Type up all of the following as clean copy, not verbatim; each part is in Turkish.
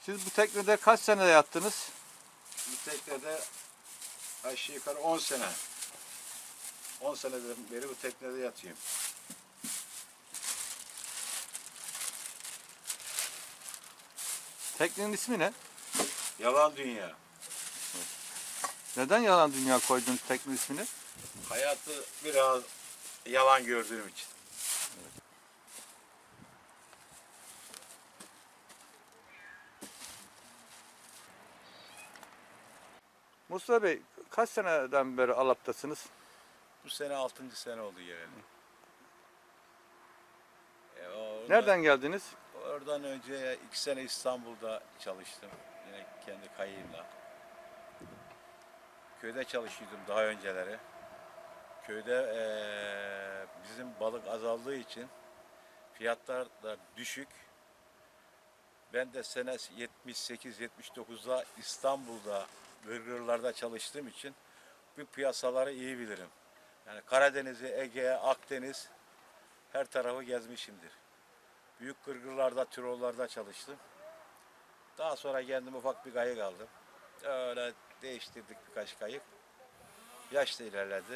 Siz bu teknede kaç sene yattınız? Bu teknede aşağı yukarı 10 sene. 10 seneden beri bu teknede yatıyorum. Teknenin ismi ne? Yalan dünya. Neden Yalan Dünya koydunuz teknenin ismini? Hayatı biraz yalan gördüğüm için. Mustafa Bey, kaç seneden beri Alap'tasınız? Bu sene 6. sene oldu geleli. Nereden geldiniz? Oradan önce 2 sene İstanbul'da çalıştım. Yine kendi kayığımla. Köyde çalışıyordum daha önceleri. Köyde bizim balık azaldığı için fiyatlar da düşük. Ben de sene 78-79'da İstanbul'da gırgırlarda çalıştığım için bu piyasaları iyi bilirim. Yani Karadeniz'i, Ege'ye, Akdeniz her tarafı gezmişimdir. Büyük gırgırlarda, Tirollarda çalıştım. Daha sonra kendim ufak bir kayık aldım. Öyle değiştirdik birkaç kayık. Yaş da ilerledi.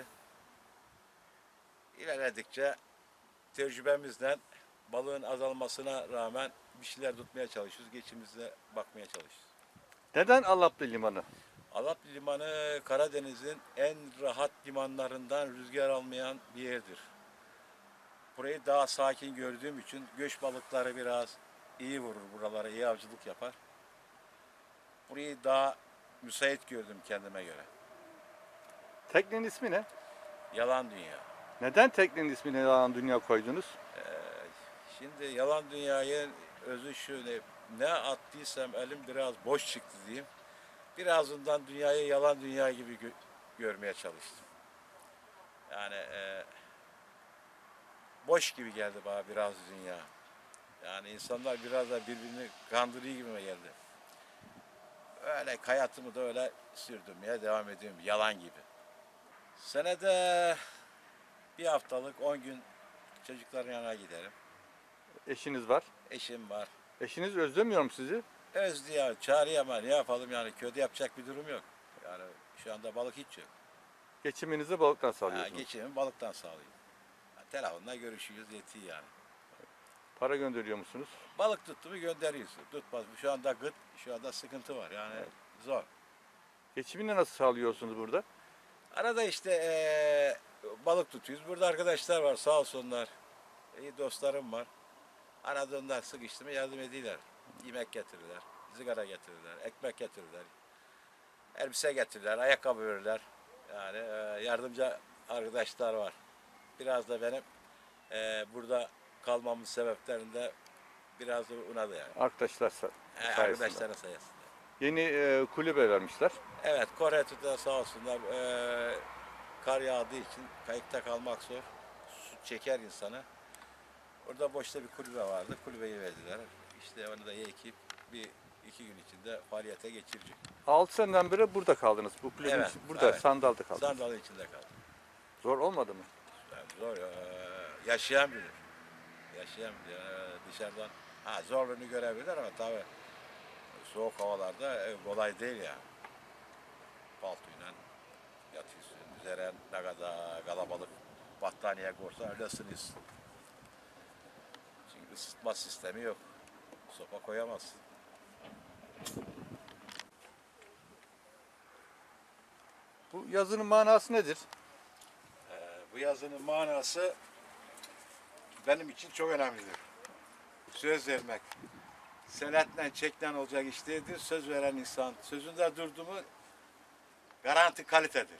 İlerledikçe tecrübemizden balığın azalmasına rağmen bir şeyler tutmaya çalışıyoruz. Geçimimize bakmaya çalışıyoruz. Neden Alaplı Limanı? Alaplı Limanı Karadeniz'in en rahat limanlarından rüzgar almayan bir yerdir. Burayı daha sakin gördüğüm için göç balıkları biraz iyi vurur buralara, iyi avcılık yapar. Burayı daha müsait gördüm kendime göre. Teknenin ismi ne? Yalan dünya. Neden teknenin ismini Yalan Dünya koydunuz? Şimdi yalan dünyanın özü şu, ne attıysam elim biraz boş çıktı diyeyim. Birazından dünyayı yalan dünya gibi görmeye çalıştım. Yani boş gibi geldi bana biraz dünya. Yani insanlar biraz da birbirini kandırıyor gibime geldi. Öyle hayatımı da öyle sürdürmeye devam ediyorum, yalan gibi. Senede bir haftalık 10 gün çocukların yanına giderim. Eşiniz var. Eşim var. Eşiniz özlemiyor mu sizi? Özlüyor, çağırıyor ama ne yapalım yani, köyde yapacak bir durum yok. Yani şu anda balık hiç yok. Geçiminizi balıktan sağlıyorsunuz. Geçimimi balıktan sağlıyorum. Yani telefonla görüşüyoruz, yetiyor yani. Para gönderiyor musunuz? Balık tuttu mu gönderiyorsun. Tutmaz. Şu anda gıt, şu anda sıkıntı var yani, Evet. zor. Geçimini nasıl sağlıyorsunuz burada? Arada işte balık tutuyoruz. Burada arkadaşlar var, sağ olsunlar. İyi dostlarım var. Arada onlar sıkıştı mı yardım ediyorlar. Yemek getirirler, sigara getirirler, ekmek getirirler. Elbise getirirler, ayakkabı verirler. Yani yardımcı arkadaşlar var. Biraz da benim burada kalmamın sebeplerinde biraz da ona da yani. Arkadaşlar sayesinde. Arkadaşların sayesinde. Yeni kulübe vermişler. Evet, Kore Tü'de sağ olsunlar. Kar yağdığı için kayıkta kalmak zor. Su çeker insanı. Orada boşta bir kulübe vardı. Kulübeyi verdiler. İşte onu da ekip bir iki gün içinde faaliyete geçirecek. 6 seneden beri burada kaldınız. Bu kulübün Evet, burada evet. Sandal'da kaldınız. Sandalye içinde kaldım. Zor olmadı mı? Yani zor. Yaşayan bilir. Yaşayan bilir. Dışarıdan zorluğunu görebilir ama tabii soğuk havalarda kolay değil yani. Paltoyla yatıyorsun. Üzerine ne kadar kalabalık battaniye korsa öyle ısınıyorsun. Çünkü ısıtma sistemi yok. Sopa koyamazsın. Bu yazının manası nedir? Bu yazının manası benim için çok önemlidir. Söz vermek. Senetle çekten olacak iş değildir. Söz veren insan sözünde durdu mu garanti kalitedir.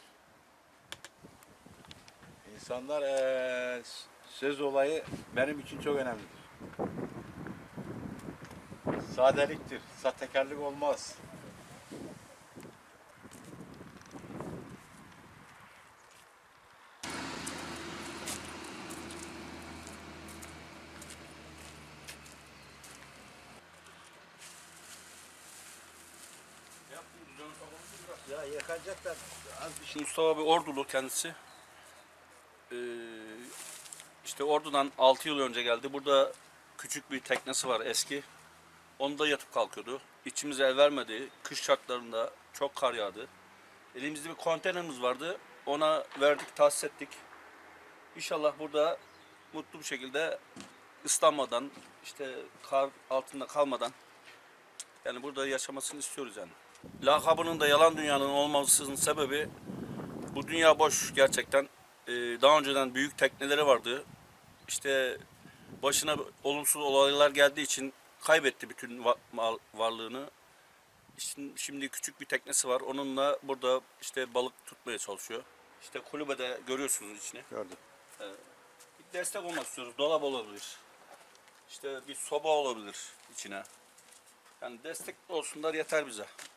İnsanlar söz olayı benim için çok önemlidir. Sadeliktir. Sahtekarlık olmaz. Ya yakacaklar az bir şey. Mustafa abi Ordulu kendisi. İşte Ordu'dan 6 yıl önce geldi. Burada küçük bir teknesi var eski. Onda yatıp kalkıyordu. İçimize el vermedi. Kış şartlarında çok kar yağdı. Elimizde bir konteynerimiz vardı. Ona verdik, tahsis ettik. İnşallah burada mutlu bir şekilde ıslanmadan, işte kar altında kalmadan yani burada yaşamasını istiyoruz yani. Lakabının da yalan dünyanın olmasının sebebi bu dünya boş gerçekten. Daha önceden büyük tekneleri vardı. İşte başına olumsuz olaylar geldiği için kaybetti bütün varlığını. Şimdi küçük bir teknesi var. Onunla burada işte balık tutmaya çalışıyor. İşte kulübede görüyorsunuz içini. Gördüm. Bir destek olmak istiyoruz. Dolap olabilir. İşte bir soba olabilir içine. Yani destek olsunlar yeter bize.